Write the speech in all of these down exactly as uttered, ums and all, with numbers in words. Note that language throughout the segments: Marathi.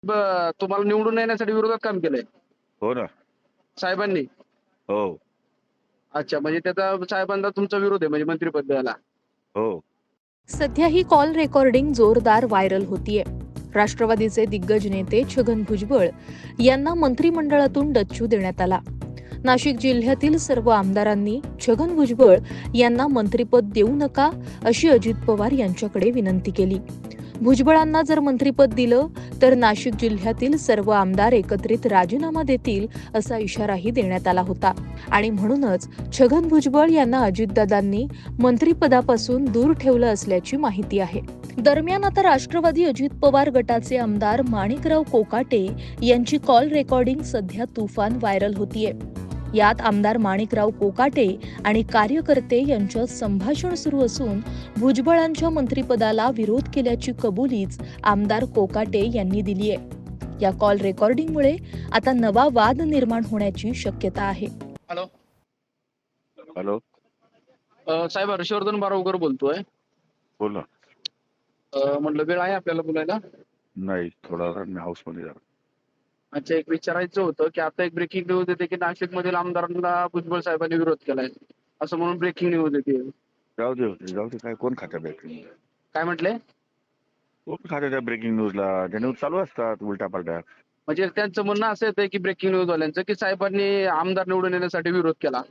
ब- तुम्हाला निवडून येण्यासाठी विरोधात काम केलंय हो ना. साहेबांनी. हो. अच्छा, म्हणजे त्याचा साहेबांचा तुमचा विरोध आहे म्हणजे मंत्रिपद द्यायला. हो. सध्या ही कॉल रेकॉर्डिंग जोरदार व्हायरल होतीये. राष्ट्रवादीचे दिग्गज नेते छगन भुजबळ यांना मंत्रिमंडळातून डच्चू देण्यात आला. नाशिक जिल्ह्यातील सर्व आमदारांनी छगन भुजबळ यांना मंत्रिपद देऊ नका अशी अजित पवार यांच्याकडे विनंती केली. भुजबळांना जर मंत्रिपद दिलं तर नाशिक जिल्ह्यातील सर्व आमदार एकत्रित राजीनामा देतील असा इशाराही देण्यात आला होता आणि म्हणूनच छगन भुजबळ यांना अजितदादांनी मंत्रिपदापासून दूर ठेवलं असल्याची माहिती आहे. दरम्यान आता राष्ट्रवादी अजित पवार गटाचे आमदार माणिकराव कोकाटे यांची कॉल रेकॉर्डिंग सध्या तुफान व्हायरल होतीये. यात आमदार माणिकराव कोकाटे आणि कार्यकर्ते यांच्यात संभाषण सुरू असून भुजबळांच्या मंत्रिपदाला विरोध केल्याची कबुलीच आमदार कोकाटे यांनी दिली आहे. या कॉल रेकॉर्डिंगमुळे आता नवा वाद निर्माण होण्याची शक्यता आहे. हॅलो. हॅलो. अ, साहेब हर्षवर्धन बारावकर बोलतोय. बोल ना. अ, म्हटलं वेळ आहे आपल्याला बोलायला? नाही, थोडा वेळ मी हाऊस मध्ये जरा. अच्छा, एक विचारायचं होतं की आता एक ब्रेकिंग न्यूज येते की नाशिक मधील आमदारांना भुजबळ साहेबांनी विरोध केलाय असं म्हणून ब्रेकिंग न्यूज येते. जाऊ दे होते जाऊ दे काय कोण खात्या ब्रेकिंग काय म्हटले? कोण खात्या त्या ब्रेकिंग न्यूजला? त्या न्यूज चालू असतात उलट्या पालट्या. म्हणजे त्यांचं म्हणणं असं येतं की ब्रेकिंग न्यूज वाल्यांचं की साहेबांनी आमदार निवडून येण्यासाठी विरोध केला.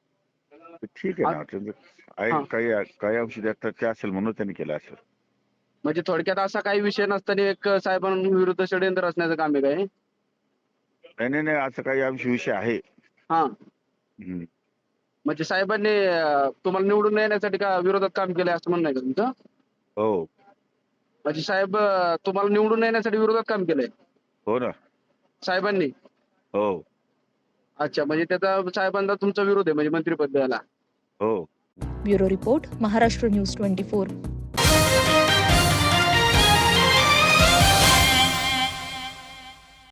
ठीक आहे ना. त्यांचं आहे हा. काही काही औषधी असतात ते असेल म्हणून त्यांनी केलं असेल. म्हणजे थोडक्यात असा काही विषय नसताना एक साहेबांविरुद्ध षडयंत्र रचण्याचं काम आहे काय? नाही नाही नाही असं काही आमची विषय आहे. हा. हम्म. म्हणजे साहेबांनी अं, तुम्हाला निवडून येण्यासाठी का विरोधात काम केलंय असं म्हणणं आहे का तुमचं? हो. म्हणजे साहेब अं, तुम्हाला निवडून येण्यासाठी विरोधात काम केलंय हो ना. साहेबांनी. हो. अच्छा, म्हणजे त्याचा साहेबांचा तुमचा विरोध आहे म्हणजे मंत्रिपद द्यायला. हो. Bureau report, Maharashtra news twenty four.